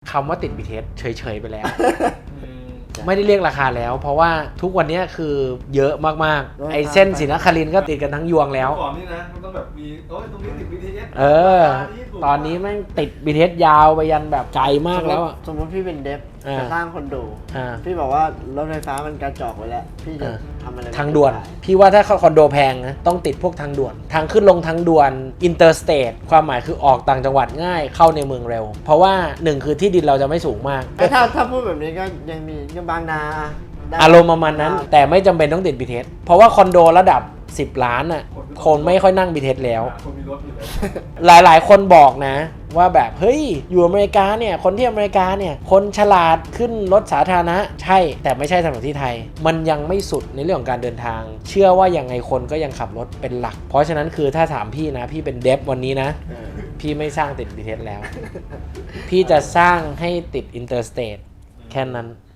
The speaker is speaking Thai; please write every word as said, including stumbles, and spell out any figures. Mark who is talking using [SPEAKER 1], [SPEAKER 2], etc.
[SPEAKER 1] คำว่าติด บี ที เอส เฉยๆไปแล้ว ไม่ได้เรียกราคาแล้ว เพราะว่าทุกวันนี้คือเยอะมากๆไอ้เส้นศรีนครินทร์ก็ติดกันทั้งยวงแล้ว
[SPEAKER 2] ก่อนนี่นะมันต้องแบบมีโอ้ยตรงนี้ติด บี ที เอส
[SPEAKER 1] เออตอนนี้แม่งติด บี ที เอส ยาวไปยันแบบไกลมากแล้วอะ
[SPEAKER 3] สมมติพี่เป็นเดฟ
[SPEAKER 1] อ่า
[SPEAKER 3] จะสร้างคอนโด
[SPEAKER 1] อ่า
[SPEAKER 3] พี่บอกว่ารถไฟฟ้ามันกระจอกไว้แล้วพี่จะทำอะไร
[SPEAKER 1] ทางด่วน พี่ว่าถ้าคอนโดแพงนะต้องติดพวกทางด่วน ทางขึ้นลงทางด่วนอินเตอร์สเตทความหมายคือออกต่างจังหวัดง่ายเข้าในเมืองเร็ว เพราะว่าหนึ่งคือที่ดินเราจะไม่สูงมาก
[SPEAKER 3] แต่ถ้าถ้าพูดแบบนี้ก็ยังมีก็บางนาได้
[SPEAKER 1] อารมณ์ประมาณนั้น แต่ไม่จำเป็นต้องติด บี ที เอส เพราะว่าคอนโดระดับสิบล้านอ่ะคนไม่ค่อยนั่ง บี ที เอส แล้ว
[SPEAKER 2] คนมีรถอยู่แล้ว
[SPEAKER 1] หลายๆ คนบอกนะว่าแบบเฮ้ยอยู่อเมริกาเนี่ยคนที่อเมริกาเนี่ยคนฉลาดขึ้นรถสาธารณะใช่แต่ไม่ใช่สำหรับที่ไทย มันยังไม่สุดในเรื่องของการเดินทาง เชื่อว่ายังไงคนก็ยังขับรถเป็นหลัก เพราะฉะนั้นคือถ้าถามพี่นะพี่เป็นเดฟวันนี้นะ
[SPEAKER 3] เออ
[SPEAKER 1] พี่ไม่สร้างติด บี ที เอส แล้ว พี่จะสร้างให้ติดอินเตอร์สเตทแค่นั้น